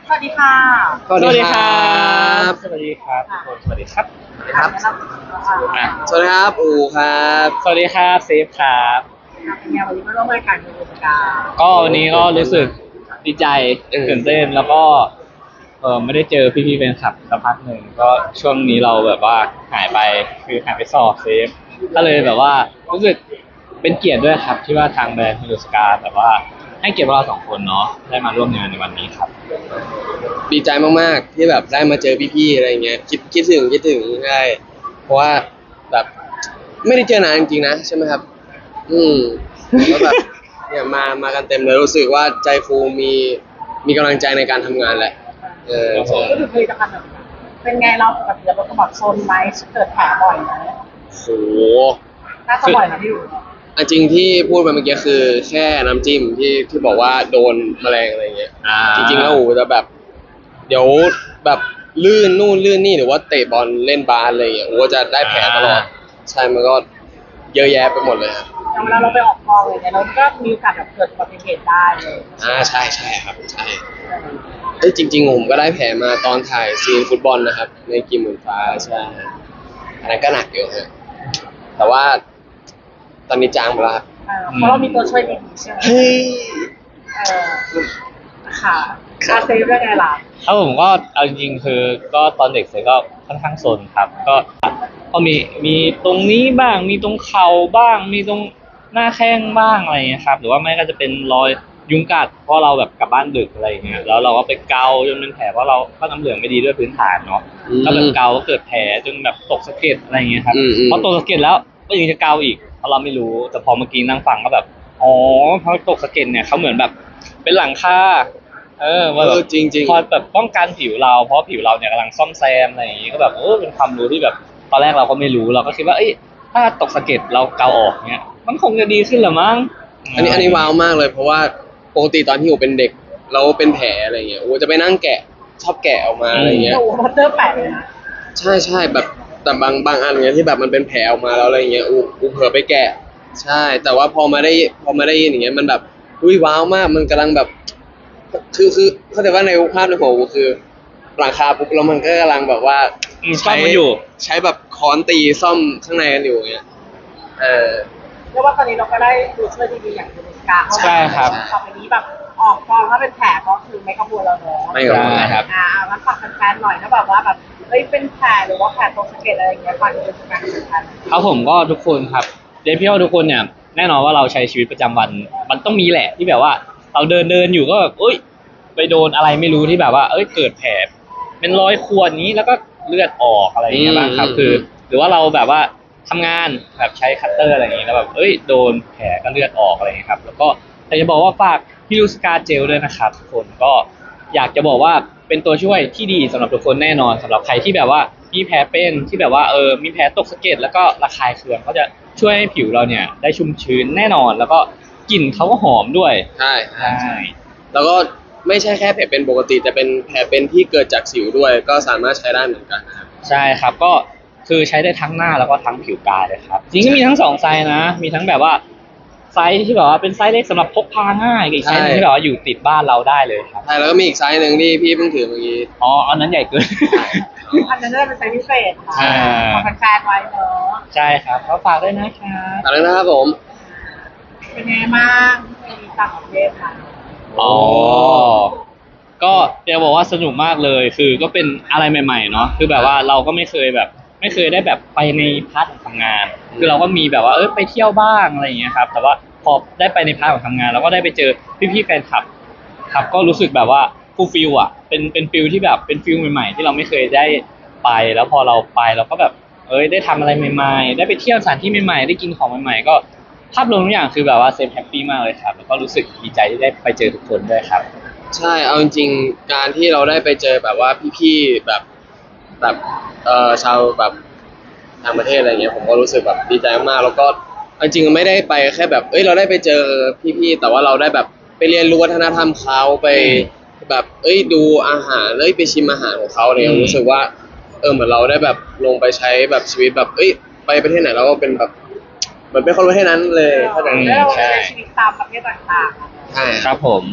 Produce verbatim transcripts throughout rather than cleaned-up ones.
สวัสดีค่ะสวัสดีครับสวัสดีครับทุกคนสวัสดีครับครับอ่ะสวัสดีครับอูครับสวัสดีครับเซฟครับเป็นไงวันนี้มาร่วมรายการในวงการก็วันนี้ก็รู้สึกดีใจเออตื่นเต้นแล้วก็เออไม่ได้เจอพี่ๆแฟนคลับสักพักหนึ่งก็ช่วงนี้เราแบบว่าหายไปคือหายไปสอบเซฟก็เลยแบบว่ารู้สึกเป็นเกียรติด้วยครับที่ว่าทางแบรนด์มิลสกาแบบว่าให้เกียรติพวกเราสองคนเนาะได้มาร่วมงานในวันนี้ครับดีใจมากๆที่แบบได้มาเจอพี่ๆอะไรเงี้ยคิดคิดถึงคิดถึงใช่เพราะว่าแบบไม่ได้เจอนานจริงๆนะใช่ไหมครับ อืมแล้วแบบเนี่ยมามากันเต็มเลยรู้สึกว่าใจฟูมีมีกำลังใจในการทำงานแหละเออครับผมก็คือผลิตภัณฑ์แบบเป็นไงเราปกติเราเป็นคนแบบโซนไหมเกิดแผลบ่อยไหมโหน่าจะบ่อยนะพี่อยู่อันจริงที่พูดไปเมื่อกี้คือแค่น้ำจิ้มที่ที่บอกว่าโดนแมลงอะไรเงี้ยอ่าจริงๆแล้วอูจะแบบ เดี๋ยวแบบลื่นนู่นลื่นนี่หรือว่าเตะบอลเล่นบาสอะไรเงี้ยอูก็จะได้แผลตลอดใช่มันก็เยอะแยะไปหมดเลยครับอย่างเวลาเราไปออกกองเลยเนี่ยเราก็มีโอกาสแบบเกิดอุบัติเหตุได้เลยอ่าใช่ใช่ครับใช่เอ้ยจริงๆผมก็ได้แผลมาตอนถ่ายซีนฟุตบอลนะครับ ในกีมหมื่นฟ้าใช่อันนั้นก็หนักอยู่ฮะแต่ว่าตอนนี้จางไปแล้วครับเออเพราะเรามีตัวช่วยดีๆใช่ไหมเฮ้ยเออค่ะคาเซฟได้ไงล่ะครับผมก็เอาจริงๆคือก็ตอนเด็กเสร็จก็ค่อนข้างซนครับ ก็ก็มีมีตรงนี้บ้างมีตรงเข่าบ้าง มีตรงหน้าแข้งบ้างอะไรอย่างเงี้ยครับหรือว่าไม่ก็จะเป็นรอยยุงกัดเพราะเราแบบกลับบ้านดึกอะไรอย่างเงี้ยแล้วเราก็ไปเกาจนเป็นแผลเพราะเราก็น้ำเหลืองไม่ดีด้วยพื้นฐานเนาะอืมก็แบบเกาก็เกิดแผลจนแบบตกสะเก็ดอะไรอย่างเงี้ยครับอืมอืมพอตกสะเก็ดแล้วก็ยังจะเกาอีกเพราะเราไม่รู้แต่พอเมื่อกี้นั่งฟังก็แบบอ๋อพอตกสะเก็ดเนี่ยเขาเหมือนแบบเป็นหลังคาเออว่าแบบเออจริงๆพอแบบป้องกันผิวเราเพราะผิวเราเนี่ยกำลังซ่อมแซมอะไรอย่างงี้ก็แบบเออเป็นความรู้ที่แบบตอนแรกเราก็ไม่รู้เราก็คิดว่าเอ้ยถ้าตกสะเก็ดเราเกาออกเนี่ยมันคงจะดีขึ้นเหรือมั้งอันนี้อันนี้ว้าวมากเลยเพราะว่าปกติตอนที่อูเป็นเด็กเราเป็นแผลอะไรเงี้ยอูจะไปนั่งแกะชอบแกะออกมาอะไรเงี้ยโอ้โหพัตเตอร์แปดเลยนะใช่ใช่แบบแต่บางบางอันเงี้ยที่แบบมันเป็นแผลออกมาแล้วอะไรเงี้ยอูอูเผลอไปแกะ ใช่ แต่ว่าพอมาได้พอมาได้ยินอย่างเงี้ยมันแบบอุ้ยว้าวมากมันกำลังแบบ คือคือเข้าใจว่าในภาพในหัวอูคือหลังคาปุ๊บแล้วมันก็กำลังแบบว่าอืมซ่อมมันอยู่ใช้แบบค้อนตีซ่อมข้างในกันอยู่อย่างเงี้ยเออเรียกว่าตอนนี้เราก็ได้ตัวช่วยดีๆอย่างยูนิสกาเข้ามาใช่ครับต่อไปนี้แบบออกกองถ้าเป็นแผลก็คือไม่กังวลแล้วเนาะไม่กังวลใช่ครับอ่างั้นฝากแฟนๆหน่อยถ้าแบบว่าแบบเอ้ยเป็นแผลหรือว่าแผลตรงสะเก็ดอะไรอย่างเงี้ยฝากยูนิสกาแฟนครับผมก็ทุกคนครับเดนพี่ว่าทุกคนเนี่ยแน่นอนว่าเราใช้ชีวิตประจำวัน มันต้องมีแหละที่แบบว่า เราเดินเดินอยู่ก็แบบเอ้ยไปโดนอะไรไม่รู้ที่แบบว่า เอ้ยเกิดแผลเป็นรอยข่วนนี้แล้วก็เลือดออกอะไรอย่างเงี้ยบ้างครับอืมคือ หรือว่าเราแบบว่าทำงานแบบใช้คัตเตอร์อะไรอย่างงี้แล้วแบบเอ้ยโดนแผลก็เลือดออกอะไรอย่างเงี้ยครับแล้วก็แต่จะบอกว่าฝากพี่ลูสกาเจลด้วยนะครับทุกคนก็อยากจะบอกว่าเป็นตัวช่วยที่ดีสำหรับทุกคนแน่นอนสำหรับใครที่แบบว่ามีแผลเป็นที่แบบว่าเออมีแผลตกสะเก็ดแล้วก็ระคายเคืองก็จะช่วยให้ผิวเราเนี่ยได้ชุ่มชื้นแน่นอนแล้วก็กลิ่นเขาก็หอมด้วยใช่ใช่แล้วก็ไม่ใช่แค่แผลเป็นปกติแต่เป็นแผลเป็นที่เกิดจากสิวด้วย ก็สามารถใช้ได้เหมือนกันนะครับใช่ครับก็คือใช้ได้ทั้งหน้าแล้วก็ทั้งผิวกายเลยครับจริงก็มีทั้งสองไซส์นะ มีทั้งแบบว่าไซส์ที่แบบว่าเป็นไซส์เล็กสำหรับพกพาง่ายกับอีกไซส์หนึงที่แบบว่าอยู่ติดบ้านเราได้เลยครับใช่แล้วก็มีอีกไซส์หนึ่งที่พี่เพิ่งถือเมื่อกี้อ๋ออันนั้นใหญ่เกินๆอันนั้นจะเป็นไซส์พิเศษค่ะอ่าฝากแฟนๆไว้เนาะใช่ครับก็ฝากด้วยนะครับตอนนั้นนะครับผมเป็นไงบ้างมีต่างประเทศค่ะอ๋อก็จะบอกว่าสนุกมากเลยคือก็เป็นอะไรใหม่ๆเนาะคือแบบว่าเราก็ไม่เคยแบบ ไม่เคยได้แบบไปในพาร์ทของทำงาน คือเราก็มีแบบว่าเออไปเที่ยวบ้างอะไรอย่างเงี้ยครับแต่ว่าพอได้ไปในพาร์ทของทำงานเราก็ได้ไปเจอพี่ๆแฟนคลับ ครับก็รู้สึกแบบว่าฟูลฟิลอ่ะเป็นเป็นฟิลที่แบบเป็นฟิลใหม่ๆที่เราไม่เคยได้ไปแล้วพอเราไปเราก็แบบเอ้ยได้ทำอะไรใหม่ๆได้ไปเที่ยวสถานที่ใหม่ๆได้กินของใหม่ๆก็ภาพรวมทุกอย่างคือแบบว่าเซฟแฮปปี้มากเลยครับแล้วก็รู้สึกดีใจที่ได้ไปเจอทุกคนด้วยครับใช่เอาจริงๆการที่เราได้ไปเจอแบบว่าพี่ๆแบบแบบเอ่อชาวแบบต่างประเทศอะไรเงี้ยผมก็รู้สึกแบบดีใจมากแล้วก็เอาจริงๆไม่ได้ไปแค่แบบเอ้ยเราได้ไปเจอพี่ๆแต่ว่าเราได้แบบไปเรียนรู้วัฒนธรรมเขาไปแบบเอ้ยดูอาหารเอ้ยไปชิมอาหารของเขาเนี่ยอืมรู้สึกว่าเออเหมือนเราได้แบบลงไปใช้แบบชีวิตแบบเอ้ยไปประเทศไหนเราก็เป็นแบบเหมือนเป็นคนประเทศนั้นเลยเข้าใจไหมแล้วเราใช่ใช้ชีวิตตามประเทศต่างๆอะใช่ครับผม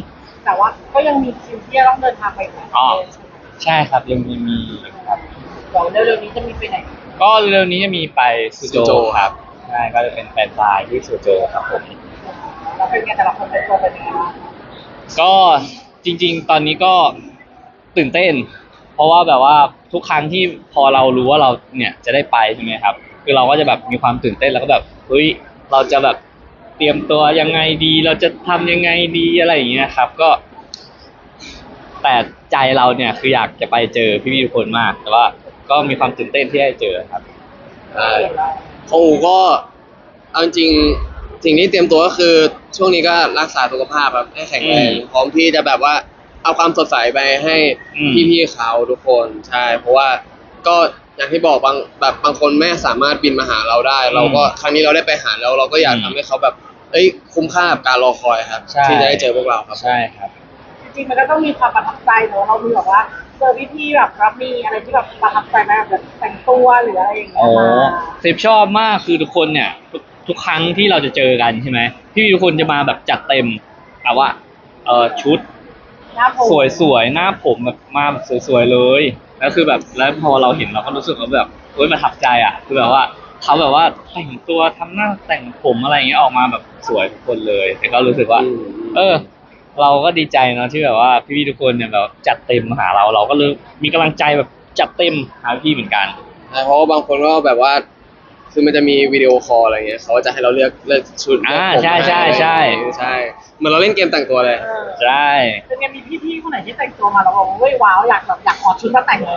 แต่ว่าก็ยังมีคิวที่จะต้องเดินทางไปต่างประอ๋อเทศใช่ไหมใช่ครับยังมีมีครับเดี๋ยวเร็วๆนี้จะมีไปไหนก็เร็วๆนี้จะมีไปซูโจซูโจครับใช่ก็จะเป็นแฟนซายที่ซูโจครับผมแล้วเป็นไงแต่ละคนเป็นตัวเป็นยังไงบ้างก็จริงๆ ตอนนี้ก็ตื่นเต้น เพราะว่าแบบว่าทุกครั้งที่พอเรารู้ว่าเราเนี่ยจะได้ไปใช่ไหมครับ คือเราก็จะแบบมีความตื่นเต้นแล้วก็แบบเฮ้ยเราจะแบบเตรียมตัวยังไงดี เราจะทำยังไงดีอะไรอย่างเงี้ยครับ ก็ แต่ใจเราเนี่ยคืออยากจะไปเจอพี่ๆทุกคนมาก แต่ว่าก็มีความตื่นเต้นที่ได้เจอครับใช่ของอูก็เอาจริงๆสิ่งที่เตรียมตัวก็คือช่วงนี้ก็รักษาสุขภาพแบบให้แข็งแรงอืมพร้อมที่จะแบบว่าเอาความสดใสไปให้อืมพี่ๆเขาทุกคนใช่ เพราะว่าก็อย่างที่บอกบางแบบบางคนไม่สามารถบินมาหาเราได้ เราก็ครั้งนี้เราได้ไปหาแล้วเราก็อยากอืมทำให้เขาแบบเอ้ยคุ้มค่ากับการรอคอยครับใช่ที่จะได้เจอพวกเราครับใช่ครับจริงๆมันก็ต้องมีความประทับใจเนอะเรามีแบบว่าเจอพี่ๆแบบรับมีอะไรที่แบบประทับใจไหมแบบแต่งตัวหรืออะไรอย่างเงี้โอ้ยมาเซฟชอบมากคือทุกคนเนี่ยทุกทุกครั้งที่เราจะเจอกันใช่ไหมพี่ทุกคนจะมาแบบจัดเต็มแต่ว่าเออชุดหน้าผมสวยๆหน้าผมแบบมาแบบสวยๆเลยแล้วคือแบบแล้วพอเราเห็นเราก็รู้สึกว่าแบบเฮ้ยประทับใจอ่ะคือแบบว่าเขาแบบว่าแต่งตัวทำหน้าแต่งผมอะไรอย่างเงี้ยออกมาแบบสวยทุกคนเลยแต่ก็รู้สึกว่าอืมเออ เราก็ดีใจเนาะที่แบบว่าพี่ๆทุกคนเนี่ยแบบจัดเต็มมาหาเรา เราก็เลยมีกำลังใจแบบจัดเต็มหาพี่เหมือนกันใช่เพราะว่าบางคนก็แบบว่า คือมันจะมีวิดีโอคอลอะไรเงี้ยเขาก็จะให้เราเลือกเลือกชุดอ่าเลือกผมใช่ใช่ใช่ใช่เหมือนเราเล่นเกมแต่งตัวเลยเออใช่เป็นไงมีพี่ๆคนไหนที่แต่งตัวมาแล้วบอกว่าเฮ้ยว้าวอยากแบบอยากขอชุดมาแต่งเลย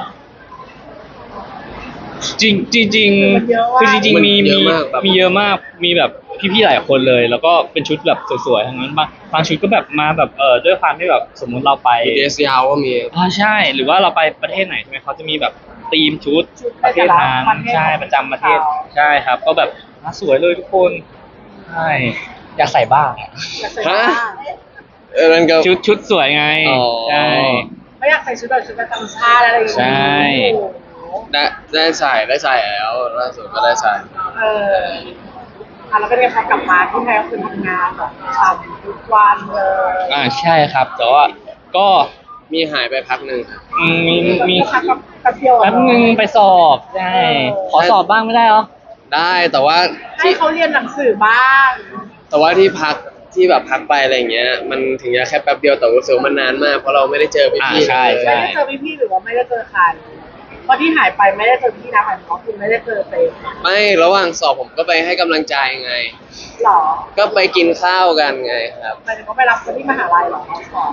จริงจริงจริงมันเยอะมากคือจริงมันๆมีเยมีอะมากแบบมีเยอะมากมีแบบพี่ๆหลายคนเลย แล้วก็เป็นชุดแบบสวยๆทั้งนั้นบางบางชุดก็แบบมาแบบเออด้วยความที่แบบสมมุติเราไปมีเดสยาวก็มีอ่าใช่ หรือว่าเราไปประเทศไหนใช่ไหมเขาจะมีแบบธีมชุดชุดประเทศนั้นประเทศใช่ประจำประเทศเขาใช่ครับ ก็แบบอ่ะสวยเลยทุกคนใช่อยากใส่บ้างอะอยากใส่บ้างเออนั่นก็ชุดชุดสวยไงอ๋อใช่ไม่อยากใส่ชุดแบบชุดประจำชาติอะไรอย่างเงี้ยใช่โอ้โหได้ได้ใส่ได้ใส่แล้วล่าสุดก็ได้ใส่เอออ่ะแล้วเป็นไงพอกลับมาที่ไทยก็คือทำงานแบบทำทุกวันเลยอ่าใช่ครับ แต่ว่าก็มีหายไปพักหนึ่งครับอืมมีมีพักกับกับเดียวอะแป๊บนึงไปสอบใช่เออขอสอบบ้างไม่ได้เหรอได้แต่ว่าให้ที่เขาเรียนหนังสือบ้างแต่ว่าที่พักที่แบบพักไปอะไรอย่างเงี้ย มันถึงจะแค่แป๊บเดียวแต่รู้สึกว่ามันนานมากเพราะเราไม่ได้เจอพี่อ่าพี่ใช่เลยใช่ไม่ได้เจอพี่ๆหรือว่าไม่ได้เจอใครเพราะที่หายไปไม่ได้เจอพี่นะหมายถึงว่าคุณไม่ได้เจอเต็มไม่ระหว่างสอบผมก็ไปให้กำลังใจไงหรอก็ไปกินข้าวกันไงครับหมายถึงว่าไปรับคนที่มหาลัยเหรอสอบ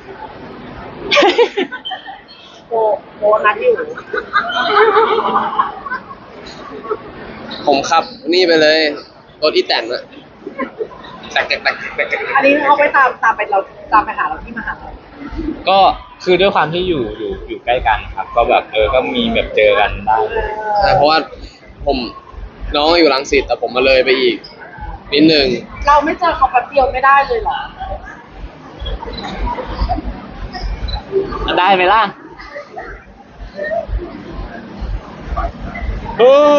โบโบนัดอยู่ผมขับนี่ไปเลยรถอีแตนอะแตกแตกแตกแตกแตกอันนี้เขาไปตามตามไปเราตามไปหาเราที่มหาลัยก็คือด้วยความที่อยู่อยู่อยู่ใกล้กันครับ ก็แบบเออก็มีแบบเจอกันได้ใช่เพราะว่าผมน้องอยู่รังสิตแต่ผมมาเลยไปอีกนิดนึงเราไม่เจอเขาแป๊บเดียวไม่ได้เลยเหรอได้ไหมล่ะเออ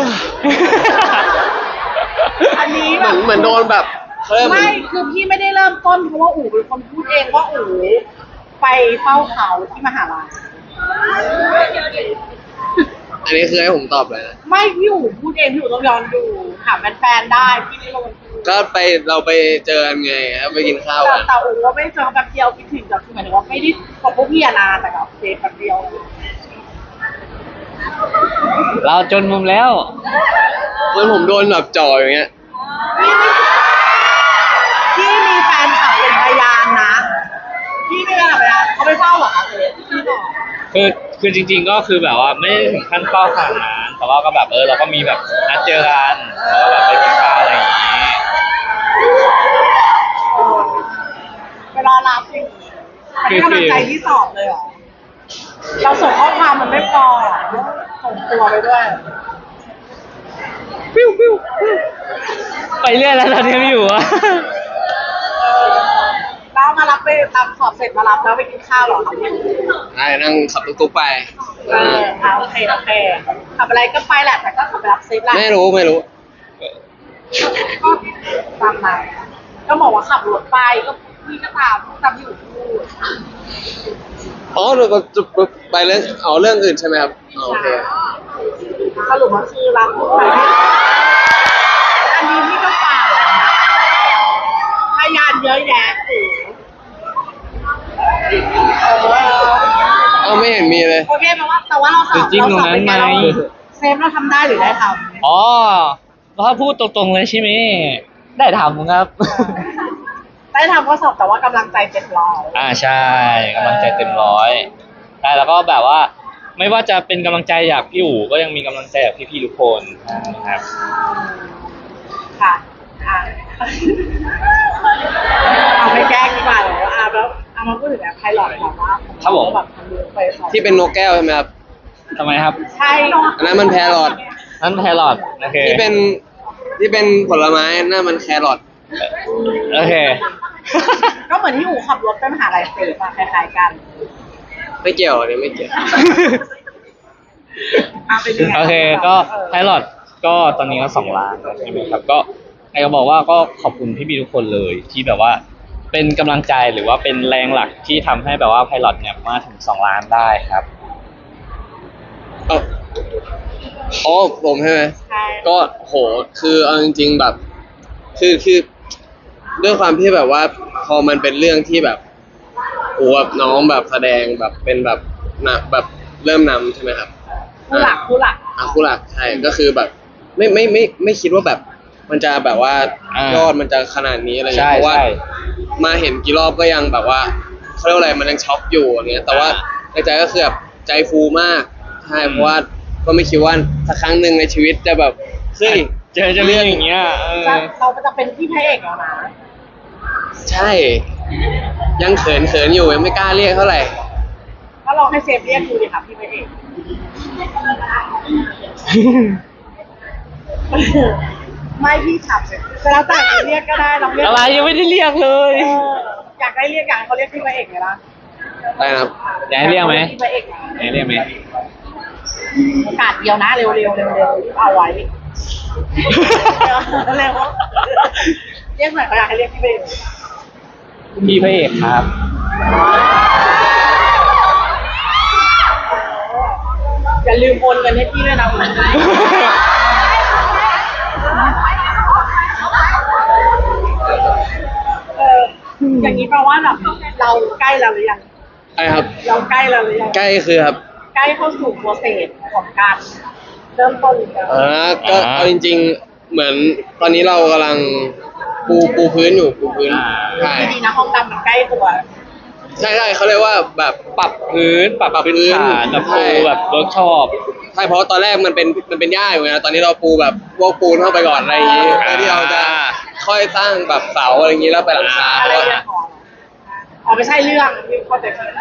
อันนี้เหแบมือนบเหมือนโดนแบบเขาเรียกเหมืไม่อนคือพี่ไม่ได้เริ่มต้นเพราะว่าอู๋เป็นคนพูดเองว่าอู๋ไปเฝ้าเขาที่มหาลัยอันนี้คือให้ผมตอบเลยนะไม่พี่อู๋พูดเองพี่อู๋ต้องย้อนดูถามแฟนๆได้พี่ไม่ลงพูดก็ไปเราไปเจอกันไงครับไปกินข้าวแต่กันแต่อู๋ว่าไม่ได้เจอเขาแป๊บเดียวคิดถึงแต่คือหมายถึงว่าไม่ได้กับพวกพี่อะนานแต่กับเจแป๊บเดียวเราจนมุมแล้วเหมือนผมโดนแบบจ่ออย่างเงี้ยพี่มีแฟนคลับเป็นพยานนะพี่ไม่เป็นพยานเขาไม่เฝ้าหรอคะเจพี่บอกคือคือจริง ๆ ก็คือแบบว่าไม่ได้ถึงขั้นเฝ้าขนาดนั้นแต่ว่าก็แบบเออเราก็มีแบบนัดเจอกันแล้วก็แบบไปกินข้าวอะไรอย่างนี้เออเวลารับจริงให้กำลังใจที่สอบเลยเหรอเราส่งข้อความมันไม่พอหรอส่งตัวไปด้วยปิ้วปิ้วปิ้วไปเรื่อยแล้วตอนนี้ไม่อยู่อะเออแล้วมารับไปตามสอบเสร็จมารับแล้วไปกินข้าวเหรอครับใช่นั่งขับตุ๊กๆไปเอออ่าโอเคโอเคขับอะไรก็ไปแหละแต่ก็ขับไปรับเซฟแหละไม่รู้ไม่รู้ก็ตามมาก็บอกว่าขับรถไปก็พี่ก็ตามตามอยู่พูดอ๋อเราจะไปเรื่องเอาเรื่องอื่นใช่ไหมครับอ๋อโอเคสรุปว่าคือรักทุกคนอันนี้พี่ก็ฝากพยานเยอะแยะสิเออเอ้าไม่เห็นมีเลยโอเคแปลว่าแต่ว่าเราสอบจริงตรงนั้นไหมเซฟเราทำได้หรือได้ทอ๋อถ้าพูดตรงๆเลยใช่ไหมได้ทำครับำได้ทำก็สอบแต่ว่ากำลังใจเจ็ดร้อยอ่าใช่กำลังใจเต็มร้อยใช่แล้วก็แบบว่า ไม่ว่าจะเป็นกำลังใจจากพี่อู๋ก็ยังมีกำลังใจจากพี่ๆทุกคนนะครับค่ะอ่ะเอาไปแก้ดีกว่าเลยอ่ะแล้วเอามาพูดถึงแบบไพลอตก่อนว่าครับผมแบบทำเรื่องไปสอบที่เป็นนกแก้วใช่ไหมครับทำไมครับใช่อันนั้นมันแพรอทนั่นไทรอดโอเคที่เป็นที่เป็นผลไม้นั่นมันแครอทโอเคก็เหมือนที่อู๋ขับรถไปมหาลัยเซฟอะคล้ายๆกันไม่เกี่ยวอันนี้ไม่เกี่ยวอ่ะเป็นยังไงโอเคก็ไพลอตก็ตอนนี้ก็สองล้านแล้วใช่ไหมครับก็ไอ้ก็บอกว่าก็ขอบคุณพี่ๆทุกคนเลยที่แบบว่า เป็นกำลังใจหรือว่าเป็นแรงหลักที่ทำให้แบบว่าไพลอตเนี่ยมาถึงสองล้านได้ครับเอ้าอ๋อผมใช่ไหมใช่ก็โหคือเอาจริงๆแบบ คือคือด้วยความที่แบบว่า พอมันเป็นเรื่องที่แบบโอ้แบบน้องแบบแสดงแบบเป็นแบบนะแบบเริ่มนำใช่ไหมครับผู้หลักผู้หลักอ่ะคู่หลักใช่ก็คือแบบ ไม่ไม่ไม่ไม่คิดว่าแบบ มันจะแบบว่าอ่ายยอดมันจะขนาดนี้อะไรเงี้ใช่ยเพราะว่าใช่มาเห็นกี่รอบก็ยังแบบว่าเขาเรียกว่าอะไรมันยังช็อกอยู่อย่างเงี้ย แต่ว่าอ่าในใจก็คือแบบใจฟูมากใช่เพราะว่าก็ไม่คิดว่าสักครั้งหนึ่งในชีวิตจะแบบเฮ้ยเจอจะเรื่องอย่างเงี้ยเออจะเราจะเป็นพี่พระเอกแล้วนะใช่ ยังเขินเขินอยู่ยังไม่กล้าเรียกเท่าไหร่ก็ลองให้เซฟเรียกดูดิค่ะพี่พระเอก ไม่พี่ขับเสร็จแล้วแต่จะเรียกก็ได้เราเรียกอะไรยังไม่ได้เรียกเลยเอออยากได้เรียกอยากให้เขาเรียกพี่พระเอกไงล่ะได้นะครับอยากให้เรียกไหมพี่พระเอกนะอยากให้เรียกไหมโอกาสเดียวนะเร็วๆเร็วๆเร็วๆเอาไว้เร็วเรียกหน่อยเขาอยากให้เรียกพี่พระเอกพี่พระเอกครับอย่าลืมโอนเงินให้พี่ด้วยนะเอออย่างนี้แปลว่าแบบเราใกล้แล้วหรือยังไอ้ครับเราใกล้แล้วหรือยังใกล้คือครับใกล้เข้าสู่โปรเซสของการเริ่มต้นแล้วอ่าก็อ่าเอาจริง ๆ เหมือนตอนนี้เรากำลังปูปูพื้นอยู่ปูพื้นอ่าใช่ดีๆนะห้องดำมันใกล้ตัวใช่ใช่เขาเรียกว่าแบบปรับพื้นปรับปรับพื้นพื้นฐานแบบใช่ปูแบบเวิร์กช็อปใช่เพราะตอนแรกมันเป็นมันเป็นหญ้าอยู่ไงตอนนี้เราปูแบบพวกปูนเข้าไปก่อนอะไรอย่างงี้อ่าเพื่อที่เราจะค่อยสร้างแบบเสาอะไรอย่างงี้แล้วไปหลังคาอะไรก็เรื่องของอ๋อไม่ใช่เรื่องที่เข้าใจผิด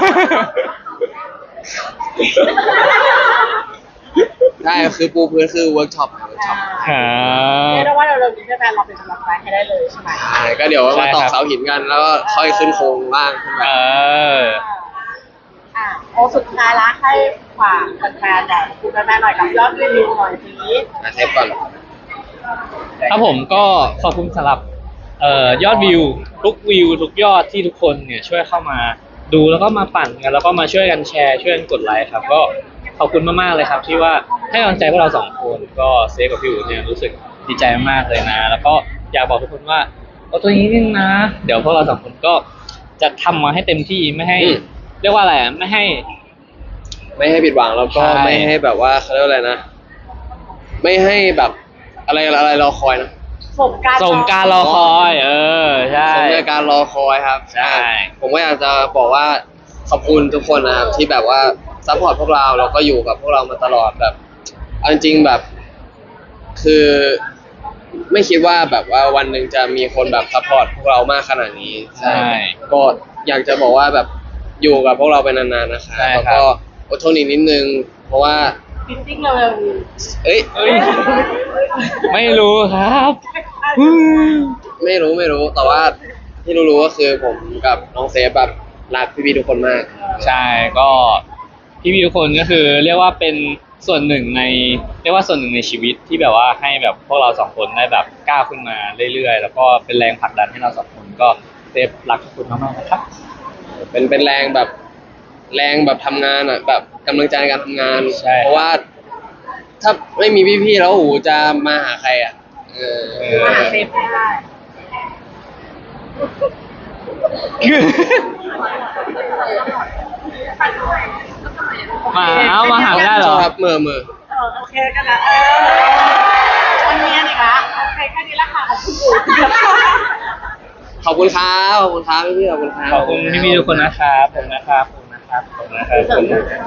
ใช่คือปูพื้นคือเวิร์กช็อปเวิร์กช็อปอ่าเรียกได้ว่าเราๆนี้แฟนเราเป็นกำลังใจให้ได้เลยใช่ไหมใช่ก็เดี๋ยวใช่มาตอกครับเสาหินกันแล้วก็ค่อยขึ้นโครงล่างขึ้นไปเอออ่าโอสุดท้ายละให้ฝากแฟนๆหน่อยคุณแฟนๆหน่อยกับยอดรีวิวหน่อยสิอ่ะเทปก่อนครับผมก็ขอบคุณสำหรับเอ่อยอดวิวทุกวิวทุกยอดที่ทุกคนเนี่ยช่วยเข้ามาดูแล้วก็มาปั่นกันแล้วก็มาช่วยกันแชร์ช่วยกันกดไลค์ครับก็ขอบคุณมากๆเลยครับ ที่ว่าให้กำลังใจพวกเราสองคนก็เซฟกับพี่อู๋เนี่ยรู้สึกดีใจมากๆเลยนะ แล้วก็อยากบอกทุกคนว่าเอาตัวนี้นึงนะ เดี๋ยวพวกเราสองคนก็จะทำมาให้เต็มที่ไม่ให้อืมเรียกว่าอะไรอ่ะไม่ให้ไม่ให้ผิดหวังแล้วก็ใช่ไม่ให้แบบว่าเขาเรียกว่าอะไรนะ ไม่ให้แบบอะไรอะไรรอคอยนะสมการสมการรอคอย เออใช่สมในการรอคอยครับใช่ผมก็อยากจะบอกว่าขอบคุณทุกคนนะครับที่แบบว่าซัพพอร์ตพวกเราแล้วก็อยู่กับพวกเรามาตลอดแบบเอาจริงๆแบบ คือไม่คิดว่าแบบว่าวันหนึ่งจะมีคนแบบซัพพอร์ตพวกเรามากขนาดนี้ใช่ก็อยากจะบอกว่าแบบอยู่กับพวกเราไปนานๆนะคะใช่แล้วครับก็อดทนอีกนิดนึง เพราะว่าฟิตติ้งเร็วๆนี้เอ้ยเอ้ยไม่รู้ครับไม่รู้ไม่รู้ แต่ว่าที่รู้ๆก็คือผมกับน้องเซฟแบบรักพี่ๆทุกคนมากใช่ก็พี่พี่ๆทุกคนก็คือ เรียกว่าเป็นส่วนหนึ่งใน เรียกว่าส่วนหนึ่งในชีวิตที่แบบว่าให้แบบพวกเราสองคนได้แบบก้าวขึ้นมาเรื่อยๆ แล้วก็เป็นแรงผลักดันให้เราสองคนก็เซฟรักทุกคนมากๆนะครับเป็นเป็นแรงแบบแรงแบบทำงานอ่ะแบบกำลังใจในการทำงานใช่เพราะว่า ถ้าไม่มีพี่ๆแล้วโอ้โหจะมาหาใครอ่ะเออมาหาเซฟไม่ได้มาเอามาหาไม่ได้เหรอครับเมื่อเมื่อเออโอเคกันนะเออวันนี้อีกละโอเคแค่นี้ละค่ะขอบคุณปู่ขอบคุณครับขอบคุณครับพี่ๆขอบคุณครับขอบคุณพี่ๆทุกคนนะครับขอบคุณนะครับขอบคุณนะครับขอบคุณนะครับ